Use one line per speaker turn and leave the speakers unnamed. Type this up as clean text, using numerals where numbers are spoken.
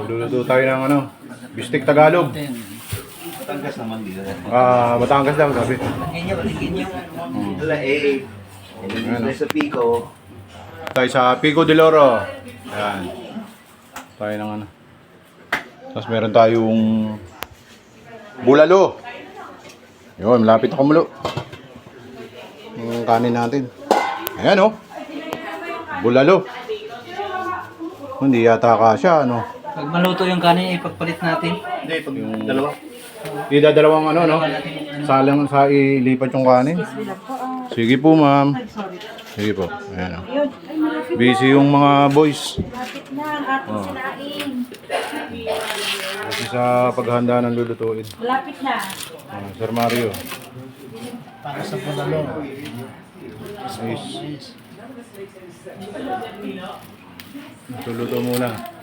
Luluto tayo ng ano, bistik Tagalog.
Batangas naman dito.
Batangas lang sabi.
Lagyan nyo. Wala eh. Ilagay sa Pico.
Tayo sa Pico de Oro. Ayan. Tayo ng ano. Tapos meron tayong bulalo. Yun, malapit ako mulo. Yung kanin natin. Ayan oh. Bulalo. Hindi yata kasya ano.
Pag maluto yung kanin, ipagpalit natin.
Hindi, pag yung dalawa.
Dalawang ano no. Salang sa ilipat yung kanin. Sige po ma'am. Sige po. Ayan oh. Busy yung mga boys.
Lapit na ang ating sinain.
Kasi sa paghahanda ng lulutuin.
Malapit na.
Sir Mario.
Para sa bulalo.
Nice. Luluto muna.